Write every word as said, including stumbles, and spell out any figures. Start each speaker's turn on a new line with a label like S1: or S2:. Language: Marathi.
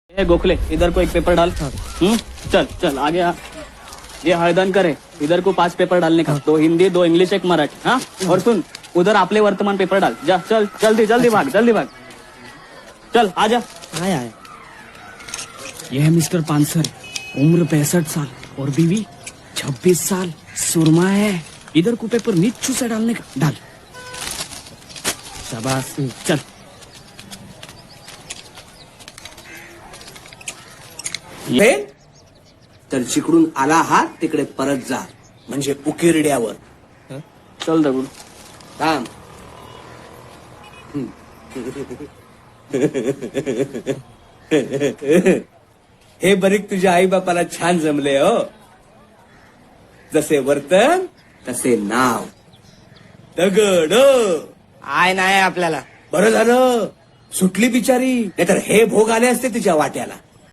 S1: ए गोखले, इधर को एक पेपर डाल। हम्म चल चल आगे आ। ये हळदनकर है, इधर को पांच पेपर डालने का, दो हिंदी, दो इंग्लिश, एक मराठी। हाँ और सुन, उधर आपले वर्तमान पेपर डाल। जा चल, जल्दी जल्दी भाग, जल्दी भाग। चल आजा।
S2: आया आया।
S1: यह है मिस्टर पानसर, उम्र पैंसठ साल और बीवी छब्बीस साल, सुरमा है। इधर को पेपर नीचू से डालने का, डाल। शाबाश, चल।
S3: हे तर जिकडून आला हा तिकडे परत जा, म्हणजे उकिरड्यावर.
S1: चल दगडू.
S3: थांब. हे बरीक तुझ्या आई बापाला छान जमले हो. जसे वर्तन तसे नाव. दगड.
S2: आय नाही आपल्याला.
S3: बरं झालं सुटली बिचारी, नाहीतर हे भोग आले असते तिच्या वाट्याला.